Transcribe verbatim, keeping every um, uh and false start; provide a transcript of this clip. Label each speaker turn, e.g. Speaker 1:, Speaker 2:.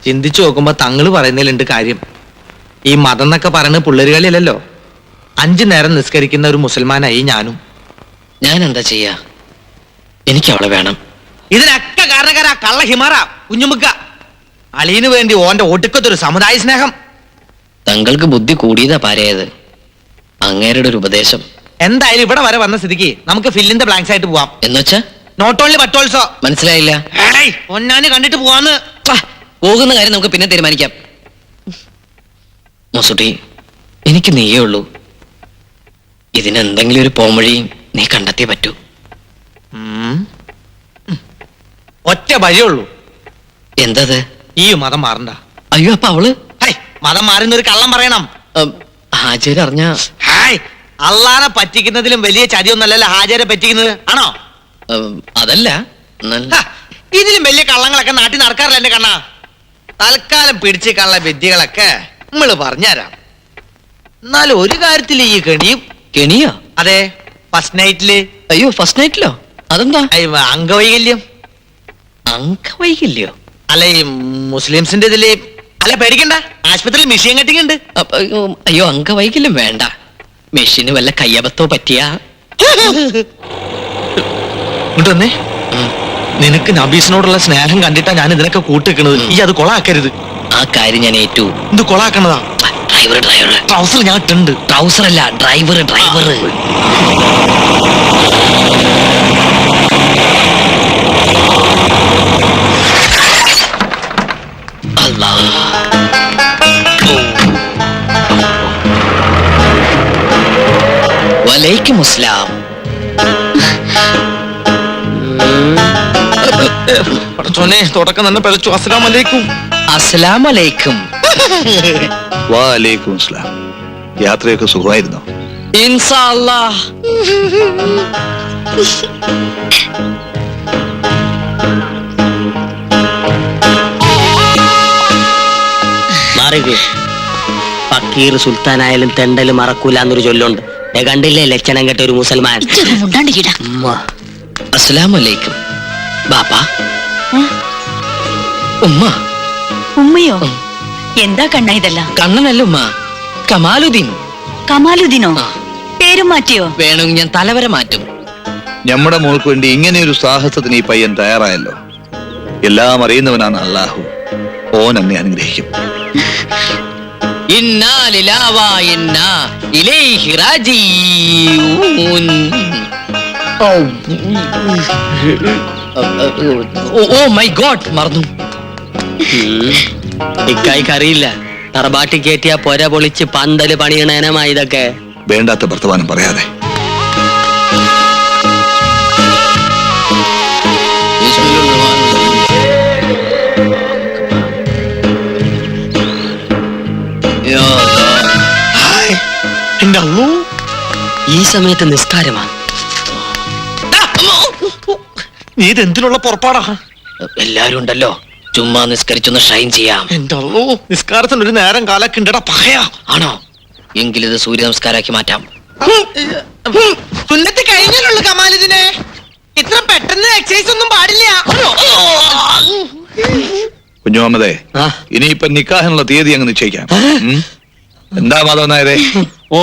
Speaker 1: ചിന്തിച്ചു നോക്കുമ്പോ തങ്ങള് പറയുന്നതിലുണ്ട് കാര്യം. ഈ മതം എന്നൊക്കെ പറയുന്നത് പിള്ളേരുകളിലല്ലോ. അഞ്ചു നേരം നിസ്കരിക്കുന്ന ഒരു മുസൽമാനായി ഞാനും.
Speaker 2: ഞാൻ എന്താ ചെയ്യാ? എനിക്ക് അവളെ വേണം.
Speaker 1: ഇതിനൊക്കെ കാരണക്കാരാ കള്ള ഹിമാറ കുഞ്ഞുമുക്ക. അളിയന് വേണ്ടി ഓന്റെ ഒടുക്കത്തൊരു സമുദായ സ്നേഹം.
Speaker 2: തങ്ങൾക്ക് ബുദ്ധി കൂടിയതാ പാരയത്. അങ്ങേരുടെ ഒരു ഉപദേശം.
Speaker 1: എന്തായാലും ഇവിടെ വരെ വന്ന സ്ഥിതിക്ക് നമുക്ക് ഫില്ലിന്റെ ബ്ലാങ്ക്സ് ആയിട്ട് പോവാം.
Speaker 2: എന്നുവെച്ചാ
Speaker 1: നോട്ട് ഓൺലി ബട്ട് ഓൾസോ.
Speaker 2: മനസ്സിലായില്ല.
Speaker 1: ഒന്നാന് കണ്ടിട്ട് പോവാന്ന്.
Speaker 2: പോകുന്ന കാര്യം നമുക്ക് പിന്നെ തീരുമാനിക്കാം. മൊസുട്ടി, എനിക്ക് നീയേ ഉള്ളൂ. ഇതിനെന്തെങ്കിലും ഒരു പോംവഴി നീ കണ്ടെത്തിയേ പറ്റൂ.
Speaker 1: ഒറ്റ വഴിയുള്ളൂ.
Speaker 2: എന്തത്?
Speaker 1: ഈ മതം മാറണ്ട.
Speaker 2: അയ്യോ, അപ്പൊ അവള്
Speaker 1: മതം മാറുന്ന ഒരു കള്ളം പറയണം.
Speaker 2: ഹാജര് അറിഞ്ഞ
Speaker 1: ഹായ് അള്ളാനെ പറ്റിക്കുന്നതിലും വലിയ ചതിയൊന്നല്ലല്ലോ ഹാജരെ പറ്റിക്കുന്നത്, ആണോ?
Speaker 2: അതല്ല,
Speaker 1: ഇതിലും വലിയ കള്ളങ്ങളൊക്കെ നാട്ടിൽ നടക്കാറില്ല എന്റെ കണ്ണാ. തൽക്കാലം പിടിച്ച് കള്ള വിദ്യകളൊക്കെ നമ്മള് പറഞ്ഞുതരാം. എന്നാലും ഒരു കാര്യത്തിൽ ഈ കെണിയും.
Speaker 2: കെണിയോ?
Speaker 1: അതെ, ഫസ്റ്റ് നൈറ്റില്.
Speaker 2: അയ്യോ, ഫസ്റ്റ് നൈറ്റിലോ? അതെന്താ?
Speaker 1: അംഗവൈകല്യം.
Speaker 2: അംഗവൈകല്യോ?
Speaker 1: അല്ല, ഈ മുസ്ലിംസിന്റെ ഇതില്. അല്ല, പേടിക്കണ്ട, ആശുപത്രിയിൽ മെഷീൻ കട്ടിങ് ഉണ്ട്.
Speaker 2: അയ്യോ, അംഗവൈകല്യം വേണ്ട. മെഷീന് വല്ല കയ്യബത്തോ പറ്റിയാ.
Speaker 1: ഇങ്ങോട്ടൊന്നേ. നിനക്ക് നബീസിനോടുള്ള സ്നേഹം കണ്ടിട്ടാ ഞാൻ ഇതിനൊക്കെ കൂട്ടിക്കുന്നത്. ഈ അത് കൊളാക്കരുത്.
Speaker 2: ആ കാര്യം ഞാൻ ഏറ്റു.
Speaker 1: ഇത് കൊളാക്കണതാ.
Speaker 2: ഡ്രൈവർ ഡ്രൈവർ
Speaker 1: ട്രൗസർ ഞാൻ ഇട്ടുണ്ട്.
Speaker 2: ട്രൗസർ അല്ല, ഡ്രൈവർ ഡ്രൈവർ. വലൈക്കും അസ്സലാം.
Speaker 1: തുടക്കം തന്നെ പിഴച്ചു. അസ്സലാം അലൈക്കും.
Speaker 2: അസ്സലാം അലൈക്കും.
Speaker 3: വലൈക്കും അസ്സലാം. യാത്രയൊക്കെ സുഖമായിരുന്നോ?
Speaker 2: ഇൻഷാ അല്ലാഹ്.
Speaker 4: ഫക്കീർ സുൽത്താനായാലും തെണ്ടല് മറക്കൂല എന്നൊരു ചൊല്ലുണ്ട്. കണ്ടില്ലേ ലക്ഷണം കെട്ട ഒരു മുസൽമാൻ.
Speaker 2: അസ്സലാമു അലൈക്കും. ബാപ്പാ. ഉമ്മ.
Speaker 5: ഉമ്മയോ? എന്താ കണ്ണ ഇതല്ല?
Speaker 2: കണ്ണനല്ല ഉമ്മ, കമാലുദ്ദീൻ.
Speaker 5: കമാലുദ്ദീനോ? പേരും മാറ്റിയോ?
Speaker 2: വേണമെങ്കിൽ ഞാൻ തലവരെ മാറ്റും.
Speaker 3: നമ്മുടെ മോൾക്ക് വേണ്ടി ഇങ്ങനെ ഒരു സാഹസത്തിന് ഈ പയ്യൻ തയ്യാറായല്ലോ. എല്ലാം അറിയുന്നവനാണ് അള്ളാഹു. ഓൻ എന്നെ അനുഗ്രഹിക്കും.
Speaker 2: ഇന്നാ ലില്ലാഹി വ ഇന്നാ ഇലൈഹി റാജിഊൻ. ഓ മൈ ഗോഡ്, മറന്നു.
Speaker 4: ഇക്കായിക്ക് അറിയില്ല. തറബാട്ടി കയറ്റിയ പൊര പൊളിച്ച് പന്തല് പണിയണേനമാ ഇതൊക്കെ.
Speaker 3: വേണ്ടാത്ത വർത്തമാനം പറയാതെ.
Speaker 4: ഈ സമയത്ത് നിസ്കാരമാ.
Speaker 1: നീ ഇതെന്തിനുള്ള പുറപ്പാടാ?
Speaker 2: എല്ലാരും ഉണ്ടല്ലോ, ചുമ്മാ നിസ്കരിച്ചൊന്ന് ഷൈൻ ചെയ്യാം.
Speaker 1: എന്റെ അള്ളോ, നിസ്കാരത്തിന് ഒരു നേരം കാലൊക്കെ ഉണ്ടടാ. പകയാ
Speaker 2: ആണോ? എങ്കിലിത് സൂര്യ നമസ്കാരാക്കി മാറ്റാം.
Speaker 1: സുന്നത്ത് കഴിഞ്ഞാലുള്ള കമാലിതിനെ ഇത്ര പെട്ടെന്ന് എക്സസൈസ് ഒന്നും പാടില്ല.
Speaker 3: കുഞ്ഞുമുഹമ്മദേ, ഇനിയിപ്പൊ നിക്കാഹിനുള്ള തീയതി അങ്ങ് നിശ്ചയിക്കാം. എന്താ മാധവൻ നായരെ?